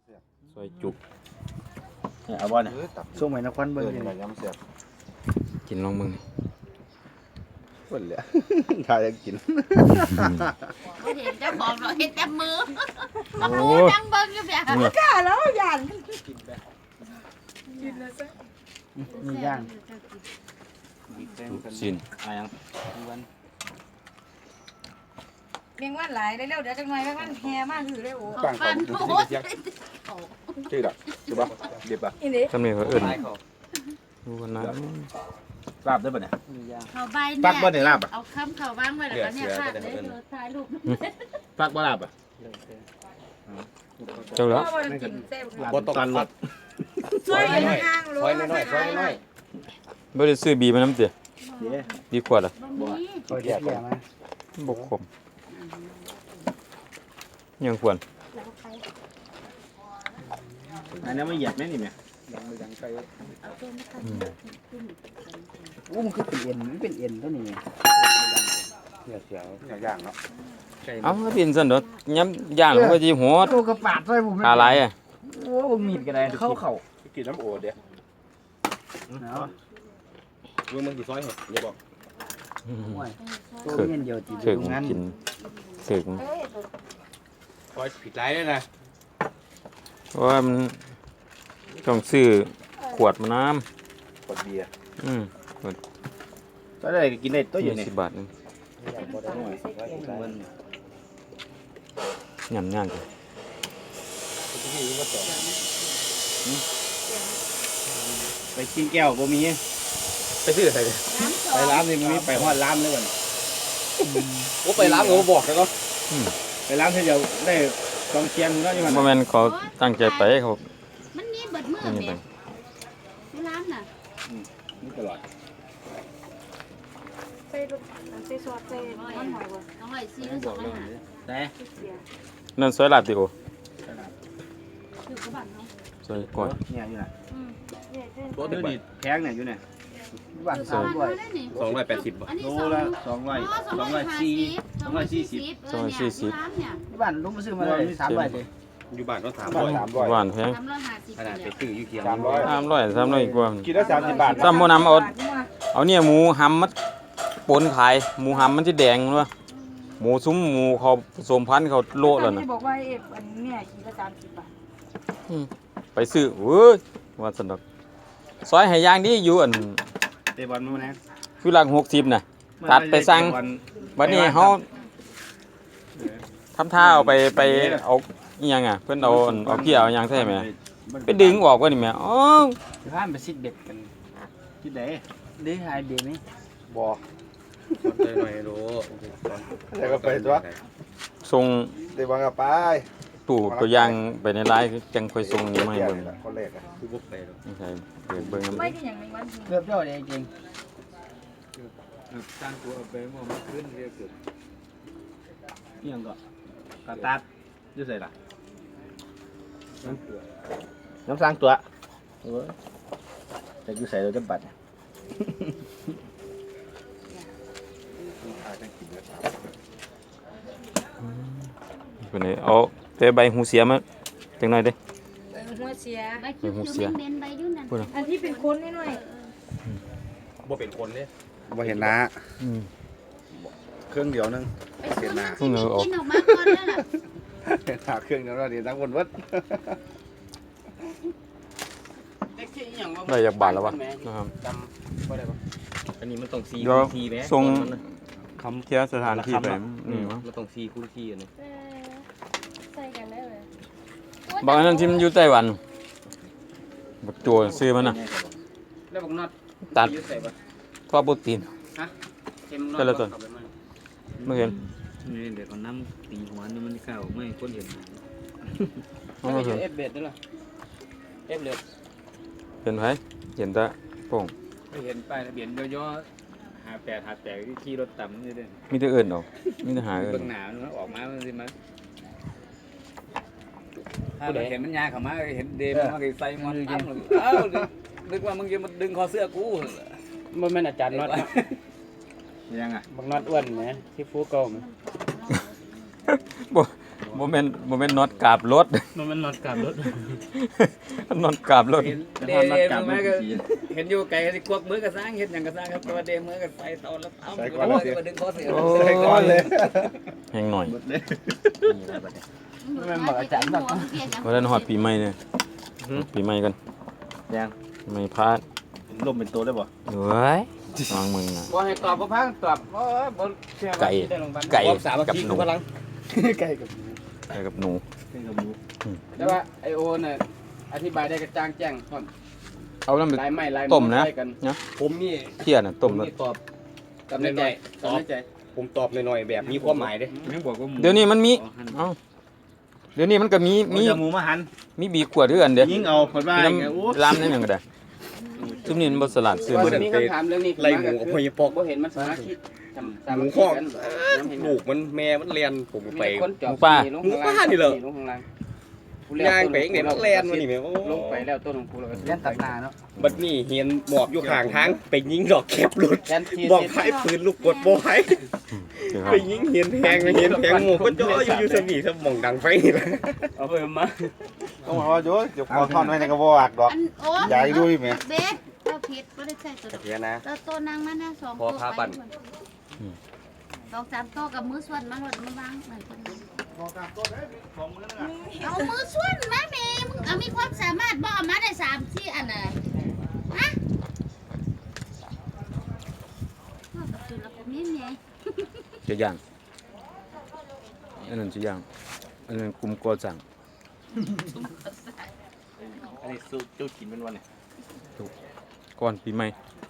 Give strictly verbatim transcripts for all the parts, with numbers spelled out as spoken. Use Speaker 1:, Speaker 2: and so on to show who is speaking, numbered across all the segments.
Speaker 1: ซอยจุ
Speaker 2: เนี่ยเอาบ่เนี่ยส่งไปนครเบิ่งนี่ยำเสียบ
Speaker 1: กินลองมึง
Speaker 2: เพิ่นเลยถ้าอยากกิน
Speaker 3: บ่เห็นเจ้าของเราเห็นแต่มือมาพูดดังเบิ่งอยู่แบบบ่กล้าแล้วย่านกินแบบกินแล้วซะ
Speaker 2: มีย่าง
Speaker 1: สิน
Speaker 2: อะไรยังวัน
Speaker 3: เลี้ยงวันหลายได้เร็วเดี๋ยวจังหน่อยแม่มันแห่มากคือได้โอ้ฟันโอ้
Speaker 2: ชื่อดอกชื่อบ่เด็บบ่
Speaker 1: จำเนี่ยเขาเอิ้นดูกันนะ
Speaker 2: ลาบได้ป่ะเนี่ย
Speaker 3: เขาใบเนี่ยเอาคำเขาบ้างไว้แล้วก็เนี่ยขาดเลยถ่ายรูป
Speaker 2: ฟักบ่ลาบอ่ะ
Speaker 1: เจ้าแล้ว
Speaker 2: บ่ตกกันหมด
Speaker 3: ซอยน้อยซอยน้อยซอยน้อย
Speaker 1: บ่ได้ซื้อบีมาน้ำเตี๋ยดีกว่าล่ะ
Speaker 2: บ่ซอยเดียวมา
Speaker 1: บกขมยังควร
Speaker 2: อันนี้ไม่เหยียบแม่นี่แม่ยังไม่ยังใส่อู้มันคือเป็นเอ็นมันเป็นเอ็นตัวนี้เสียวเสียวย่างเนาะ
Speaker 1: เอ้าเป็นซั่นเด้อย่ำย่างมันก็สิโหด
Speaker 2: ตัวกระปาดใส่ผม
Speaker 1: ขาหลายอ่ะ
Speaker 2: โอ้บ่มีดก็ได้เข้าเข้ากินน้ำโอดเด้เนาะมึงมึงสิซอยเหรออย่าบอกตัวเงินเดียวจีบงั้น
Speaker 1: กินถึง
Speaker 2: ซอยผิดไรด้วยนะ
Speaker 1: เพราะว่ามันต้องซื้อขวดมาน้
Speaker 2: ำขวดเบียร์
Speaker 1: อืม
Speaker 2: ก็ได้กินได้ตัวอยู่
Speaker 1: นี่สิบบาทนึงยำย่างกัน
Speaker 2: ไปกินแก้วบ่มีไปซื้อใส่ไปร้านนี่มันมีไปฮอดร้านเลยก่อนโอ้ไปร้านเขาบอกแล้วก็ไปร้านที่เดียวได้กองเชียงแล้วนี่มัน
Speaker 1: บ่แม่นเขาตั้งใจไปเขา
Speaker 3: มันมีเบิดมือแม่ที่ร้านน่ะ
Speaker 2: นี่ตลอด
Speaker 3: ใส่ลูกใส่ซอสใส่มันหอยบ่ต้องหอยซีแล้วสองอาหาร
Speaker 2: แต่
Speaker 1: นั่นซอยลาบติโอ
Speaker 3: คือกระบะเนาะ
Speaker 1: ซอยก่อน
Speaker 2: เนี่ยอยู่น่ะอืมตัวนี้แพงเนี่ยอยู่เนี่ยบ้านสองร้อยสองร้อยแปดสิบบ่โลละสองร้อยสองร้อยสี่สองร้อยสี่สิบ
Speaker 1: สองร้อยสี่สิบ
Speaker 2: ที่บ้านลุงมาซื้อมาเลยสามร้อยเลยอยู่บ้านก็สามร้อยสามร้อย
Speaker 1: บ้านแพง
Speaker 2: ขนาดไปซื้ออยู่เคียง
Speaker 1: สามร้อยสามร้อยสามร้อยกว่า
Speaker 2: กินแล้วสามสิบบาท
Speaker 1: ซ้ำบ่นำเอาเอาเนี่ยหมูหำมันปนขายหมูหำมันสิแดงเนาะหมูซุ้มหมูเขาผสมพันธุ์เขาโลแล้วน่ะ
Speaker 3: บอกว่าเอฟอันเนี่ยกิโลสามสิบบาท
Speaker 1: ไปซื้อเว้ยว่าสนุกซอยให้ย่างดีอยู่อัน
Speaker 2: เตะบอลมื้อนั้น
Speaker 1: คือหลังหกสิบน่ะตัดไปสั่งบัดนี้เฮาทำท่าเอาไปไปเอาอีหยังอ่ะเพิ่นเอาเอาเกี่ยวเอาหยังใส่แม่ไปดึงออกว่านี่แม่อ๋อ
Speaker 2: ข้ามไปซิดเบ็ดกันซิดไหนได้หายเบ็ดมั้ยบ่สนใจหน่อยรู้แล้วก็ไปตัว
Speaker 1: ส่ง
Speaker 2: ได้บ่ก็ไป
Speaker 1: ตู้ตัวอย่างไปในไลน์จังค่อยส่งนี่มาให้เบิ่ง
Speaker 2: คนแรกอ่ะคือบ่ไปหรอก
Speaker 1: ไม่ใช่เบิ่งเบิ่งนำ
Speaker 3: ไม่ได้หยังในวัน
Speaker 2: เกือบเจ้าได้จริงสร้างตัวเอาไปบ่มาขึ้นเรียกเกิดอีหยังก็กระตัดอยู่ไสล่ะน้ำสร้างตัวเออแต่อยู่ใส่เราจะบัด
Speaker 1: คนนี้เอาไปใบหูเสียมาจังหน่อยเด้
Speaker 3: หัวเสียใบคิ้วเน้นใบยุ่นนั่น
Speaker 2: อั
Speaker 3: นที่เป็นคนนิดหน่อย
Speaker 2: บ่เป็นคนเด้บ่เห็นหน้าเครื่องเดียวนึง
Speaker 3: เห็นหน้ากินออกมาก่อนนั่นน่ะ
Speaker 2: เห็นหน้าเครื่องเดียวแล้วนี่ทั้งคนเบิด
Speaker 1: ได้จากบาทแล้ววะนะครับ
Speaker 2: อันนี้มันต้องซี
Speaker 1: คูณทีแหมส่งคำเทียสถานที่ไปนี่มั้ง
Speaker 2: มันต้องซีคูณทีอันนี้
Speaker 3: ใส่กันได้เลย
Speaker 1: บางอันนั้นที่มันอยู่ไต้หวันบักโจซื้อมันน่ะ
Speaker 2: แล้วบักน็อต
Speaker 1: ตัดทอดโปรตีน
Speaker 2: ฮะ
Speaker 1: แต่ละตัวไม่เห็น
Speaker 2: นี่เดี๋ยวเอาน้ำตีหัวนี่มันเข้าไม่คนเห็น
Speaker 1: ไม่เห็น
Speaker 2: เอฟเบ็ดด้วยล่ะเอฟเบ็ด
Speaker 1: เห็นไหมเห็นตาโป่ง
Speaker 2: ไม่เห็นป้ายทะเบียนย่อๆหาแปดหาแปดที่รถต่ำนี่เด้
Speaker 1: มีแต่เอิญออกมีแต่หาเอิญ
Speaker 2: เบื้องหน้ามันออกมามันสิมันถ้าเราเห็นมันยาเข้ามาเห็นเดมมันใส่มันอ้ำเอ้านึกว่ามึงจะมาดึงคอเสื้อกู
Speaker 4: มันเป็นอาจารย์น็อต
Speaker 2: ยังไง
Speaker 4: บางน็อตอ้วนไหมที่ฟูเก่าไหม
Speaker 1: บ่โมเมนต์โมเมนต์น็อตกราบรถ
Speaker 4: มันมันนอนกลับรถ
Speaker 1: น็อตกราบรถ
Speaker 2: เดมมาก็เห็นอยู่ไกลก็สิควักมือกระซ้างเฮ็ดหยังกระซ้างครับแต่ว่าเดมมือก็ใส่ตอนแล้วเอาก็มาดึงคอเสีย
Speaker 1: ใส่ก่อนเลยแห้งหน่อย
Speaker 3: มันบอกอาจารย์บอก
Speaker 1: วันนั้นฮอดปีใหม่เนี่ยปีใหม่กัน
Speaker 2: ยัง
Speaker 1: ไม่พลาด
Speaker 2: ลมเป็นตัวได้บ่
Speaker 1: เฮ้ยฟังมึงอ่ะ
Speaker 4: บ่ให้ตอบบ่พังตอบบ่บ่เชื่อว่า
Speaker 1: ไก่
Speaker 4: สิได้ลงบ้าน
Speaker 1: ไก่
Speaker 2: สามัค
Speaker 1: กับ
Speaker 2: คี
Speaker 1: ห
Speaker 2: คื
Speaker 1: นู
Speaker 2: อพลัง
Speaker 4: ไก่กับ
Speaker 1: ไก่กับหนู
Speaker 2: เป็นกับหมู
Speaker 4: แต่ว่าไอโอน่ะอธิบายได้กระจ่างแจ้งพร้อม
Speaker 1: เอาน้ำไป
Speaker 4: ลายไม้ลาย
Speaker 1: ต้มนะ
Speaker 4: ใส่กัน
Speaker 2: ผมนี่
Speaker 1: เที่ยน่ะต้ม
Speaker 2: ผม
Speaker 1: แล้ว
Speaker 2: นี่ตอบ
Speaker 4: กับในใจกับในใจ
Speaker 2: ผมตอบหน่อยๆแบบมีความหมายเด้
Speaker 4: ยังบอกว่าหมู
Speaker 1: เดี๋ยวนี้มันมีเอ้าเดี๋ยวนี้มันก็มี
Speaker 2: มี
Speaker 1: มี
Speaker 2: หมูมาหั่น
Speaker 1: มีบีขวดด้วยกันเด้
Speaker 2: ยิงเอาคนว่า
Speaker 1: มี
Speaker 2: ไงโอ้
Speaker 1: น้ำร้านนั่นยังก็ได้ซุมนี้มันบ่สลัดซื้อ
Speaker 4: ว่า
Speaker 1: บ่
Speaker 4: จะ
Speaker 1: ได้
Speaker 4: มีคำถามเรื่องนี้
Speaker 2: ไล่หมูกับพยปอก
Speaker 4: บ่เห็นมันสามัคคีทำสา
Speaker 2: ห
Speaker 4: มั
Speaker 2: มู
Speaker 4: ค
Speaker 2: ข้
Speaker 4: คี
Speaker 2: อ
Speaker 4: กัน
Speaker 2: ลูกมันแม่มันเรียนผม
Speaker 4: มี
Speaker 2: ไป
Speaker 4: คนจอบ
Speaker 1: หมูป่า
Speaker 4: ลง
Speaker 2: หมู
Speaker 4: ข้างล่าง
Speaker 2: ป่านี่เหรอ
Speaker 4: ลงข้างล่าง
Speaker 2: ย่างไปเองเนี่ยมันเรียนมานี่แม่
Speaker 4: ลงไปแล้วต้นของกูแล้วก็
Speaker 5: เล่นตัดหน้าเนาะ
Speaker 2: บัดนี้เห็นหมอบอยู่ข้างทางไปยิงดอกแคบรถ
Speaker 4: แทนที่
Speaker 2: บอกไฟปืนลูกกดบ่ไฟไปยิงเห็นแทงเห็นแทงหมูก็จ่ออยู่อยู่สมีสมองดังไฟนี่แหละ
Speaker 4: เอาไปมา
Speaker 5: ต้องบอกว่าโยเดี๋ยวขอทอนไว้ในกระบอกดอก
Speaker 3: อันโอ้
Speaker 5: ใหญ่ด้วยไหม
Speaker 3: เบสเราผิดไม่ได้ใส่ตัวดอก
Speaker 2: เดี๋ยวนะ
Speaker 3: เราโตนางมานะสอง
Speaker 2: พอพาปั่น
Speaker 3: สองสามโตกับมือส่วนมันหมดมันวางเหมือนกันเอามือส่วนมาแม่มึงเอามีความสามารถบ่เอามาได้สามสี่อันน่ะฮะเอากับจุดละผมยังไง
Speaker 1: จะย่างอันนั้นจะย่างอันนั้นกลุ่มก่อสร้าง
Speaker 2: อันนี้สู้เจ้ากินเป็นวันเนี่ย
Speaker 1: ก่อนปีใหม่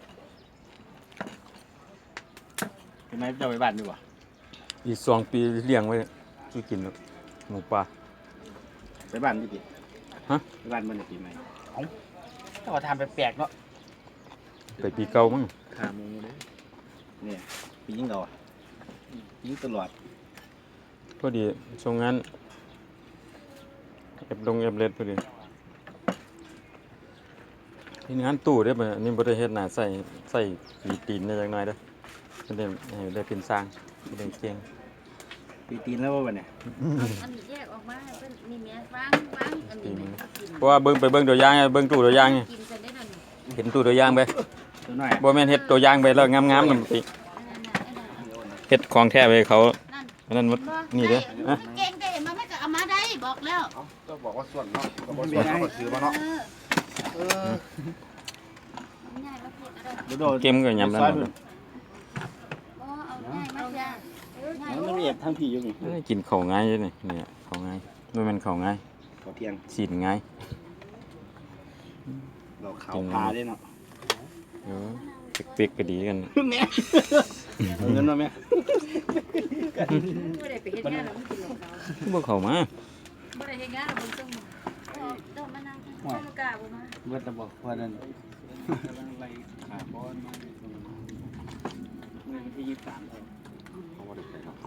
Speaker 2: เป็นไหมเจ้าไปบ้านดีกว่า
Speaker 1: อีกสองปีเลี้ยงไว้สิกินเนาะหมูป่า
Speaker 2: ไปบ้านดิ
Speaker 1: ฮะ
Speaker 2: ไปบ้านมันปีใหม่
Speaker 4: ถ้าว่าทำแปลกๆเนาะ
Speaker 1: ไปปีเก่ามั้ง
Speaker 2: ขาหมูเลยเนี่ยปียิงเราอ่ะยิงตลอด
Speaker 1: พอดีช่วงนั้นเอฟลงเอฟเลดพอดีที่งานตู้ได้ป่ะอันนี่บ่ได้เฮ็ดหน้าใส่ใส่ปีตีนได้จักหน่อยเด้อจะได้ให้ได้เป็นสร้างได้เก่ง
Speaker 2: ปีตีนแล้วว่าวันเนี่ย
Speaker 3: อันนี้แยกออกมาเป็นนี่แม่วางวางอันนี้แม่กิน
Speaker 1: เพราะว่าเบิ่งไปเบิ่งตัวอย่างไงเบิ่งตู้ตัวอย่างไง
Speaker 3: กินกันได้นั่น
Speaker 1: เห็นตู้ตัวอย่างไป
Speaker 2: ตัวน้อย
Speaker 1: บ่แม่นเฮ็ดตัวอย่างไปแล้วงามๆนำติ
Speaker 3: อันนั้นน่ะอันนั้นน่ะ
Speaker 1: เฮ็ดของแท้ไปให้เขา
Speaker 3: นั่น
Speaker 1: อันนั้นหมด
Speaker 3: บ่
Speaker 1: นี่เด้อ
Speaker 3: ได้
Speaker 1: ฮะ
Speaker 3: เก่งได้มาไม่ก็เอามาได้บอกแล้ว
Speaker 5: ต้องบอกว่าส่วนเนาะก็บอกส่วนเขาก็ซื้อมาเนาะ
Speaker 3: เออง่ายมาพูดอะไร
Speaker 2: เดี๋ยวโดน
Speaker 1: เกมก็ยำแล้ว
Speaker 3: อ๋อเอาง่ายมาจ้ะง่าย
Speaker 2: มันเรียบทั้งพี่อยู่นี่
Speaker 1: กินข้าวง่ายอยู่นี่เนี่ยข้าวง่ายบ่แม่นข้าวง่าย
Speaker 2: ขอเที่ยง
Speaker 1: สีนง่าย
Speaker 2: เราขาวพาได้เนาะ
Speaker 1: เออเปีกๆก็ดีกัน
Speaker 2: เงินมาไหม
Speaker 3: บ่ได้ไปเฮ็ดงานแล้วมันกินของเขา
Speaker 1: บ่เข้ามา
Speaker 3: บ่ได้เฮ็ดงานแล้วมันต้องเอาต้องมานั่งไม่กล้าบ่มา
Speaker 4: เบิดระบอกว่านั่น
Speaker 2: ขาบอลมาที่ยี่สิบสามเขาบอกได้เนาะ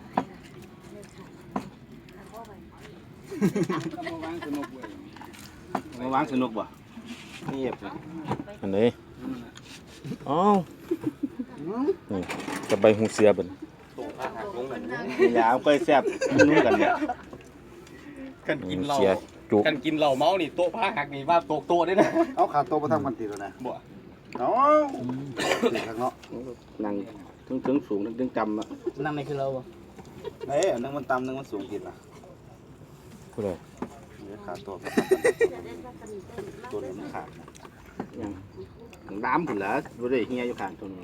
Speaker 2: มาวางสนุกเว้ยมาวางสนุกบ่นี่เอฟนะ
Speaker 1: อันนี้อ้าวนี่จะใบหูเสียบัด
Speaker 2: อย่าเอาไปแซ่บนุ่มกันเนี่ยกันกินเหล้า
Speaker 1: เสียจุก
Speaker 2: กันกินเหล้าเมานี่โต๊ะผ้าหักนี่ว่าโต๊ะโต๊ะได้นะ
Speaker 5: เอาขาโต๊ะมาทำกันติดแล้วนะ
Speaker 2: บ่
Speaker 5: เอาติดข้างเนาะ
Speaker 2: นั่งถึงถึงสูงถึงจำอ่ะ
Speaker 4: นั่งในคือเราบ่
Speaker 5: เอ้ยนึงมันต่ำนึงมันสูงติดนะ
Speaker 1: ผู้ใด
Speaker 5: เดี๋ยวขาโต๊ะตัวนี้มันขาด
Speaker 2: น้ำผุนแล้วบ่ได้เฮียอยู่ข้างตัวนึง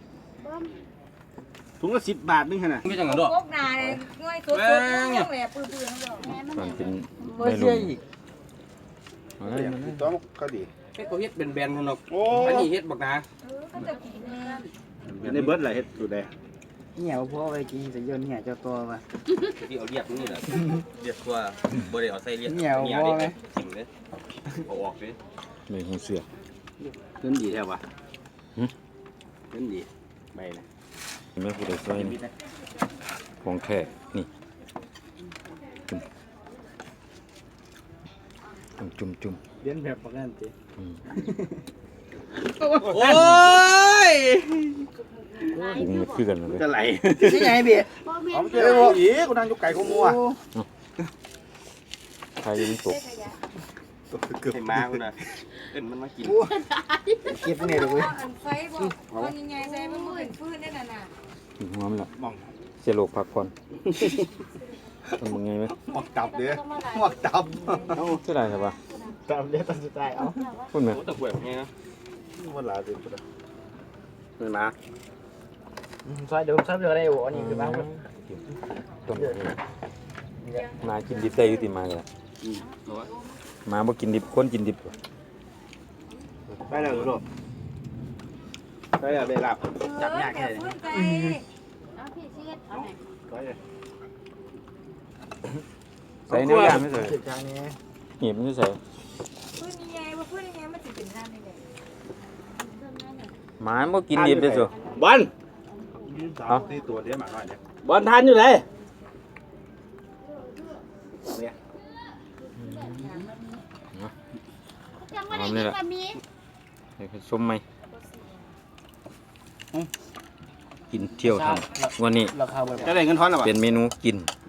Speaker 2: ถุงละสิบบาทนึงขนาดไม่จังหวะดอก
Speaker 6: พวกนาเนี่ยง่อยตัวตัวต้องแหลปื้อๆนั่นดอก
Speaker 3: แม่มัน
Speaker 1: ตอนเป็น
Speaker 4: บ่
Speaker 1: ไม่
Speaker 4: เชื่
Speaker 1: รู้
Speaker 4: ออีก
Speaker 1: เอาเลยเอาเลย
Speaker 5: ต้องก็ดี
Speaker 2: เฮ็ดก็เฮ็ดเป็นแบนคนดอก
Speaker 5: โอ้
Speaker 2: อันนี้เฮ็ดบักนา
Speaker 6: เออก็จะกินแม่
Speaker 2: ในเบิดล่ะเฮ็ดอยู่ได้
Speaker 4: เหี่ยวพอไปกินจะย่นเหี่ยวเจ้าตัวว่ะ
Speaker 2: ที่เอาเรียกนี่แหละเรียกว่าบ่ได้เอาใส่เรียก
Speaker 4: เหี่ยวพอไหม
Speaker 2: จริงเด้เอาออกเด้
Speaker 1: ใบหูเสีย
Speaker 2: เพิ่นดีแท้ว่ะ
Speaker 1: หึ
Speaker 2: เพิ่นดีใบนะ
Speaker 1: เห็นไหมผู้ใดซอยนี่ของแท้นี่จุ่มจุ่มจุ่ม
Speaker 4: เลี้ยนแบบปกติ
Speaker 1: อืม
Speaker 2: โอ้ย
Speaker 1: ปรุงมันคือกันเลย
Speaker 2: จะไหล
Speaker 5: นี่ไงพี่
Speaker 3: บ่แม่
Speaker 5: เอา
Speaker 3: น
Speaker 5: เจอบ่อีกูนั่งอยู่ไก่กูมัว
Speaker 1: ใครยังตก
Speaker 5: เกือบมากูน่ะเอ็นมันมากิน
Speaker 2: เก็บเนี่ยเลยเว้ย
Speaker 6: อันไฟบอกเอายังไงใส่มันเป็นฟืนได้น่ะน่ะ
Speaker 1: หอมละเสียโลกพักผ่อนทำยังไงไหม
Speaker 5: หมวกตับเด้อหมวกตับ
Speaker 1: เอ้าเท่าไหร่ครับวะ
Speaker 2: ตามเรียกตามสไตล์เอา
Speaker 1: พูดไหม
Speaker 5: ตะกวยไงนะมันหลาสิพุ่น
Speaker 2: เงินมาซอยเดี๋ยวผมซับเดี๋ยวได้โอ้นี่คือบ้าง
Speaker 1: ต้นมากินดิบได้อยุติมาเลยมาบ่กินดิบคนกินดิบ
Speaker 2: ไปแล้วลูกไปแล้วได้รับ
Speaker 6: จับยากแค่ฟืนใจ
Speaker 3: เอาพี่สิเฮ็ดเอาไหน
Speaker 2: ไปเลย
Speaker 1: ใส่เนื้อย่างไม่ใส่
Speaker 2: เก็บจานนี้
Speaker 1: เหี่ยมไม่ใส่
Speaker 6: ฟืนยังไงว่าฟืนยังไงมันสิเป็นน้ำได้ไง
Speaker 1: หมาบ่กินดิบได้สิ
Speaker 2: บอล
Speaker 5: เอาที่ตัวเดียวมาหน่อยเนี่ย
Speaker 2: บอลทานอยู่ไหน
Speaker 3: จังว่าได้กินก็มี
Speaker 1: เดี๋ยวส้มไหมกินเที่ยวทำวันนี้
Speaker 2: ราคาแบบจะได้เงินทอนหรอวะ
Speaker 1: เป็นเมนูกิน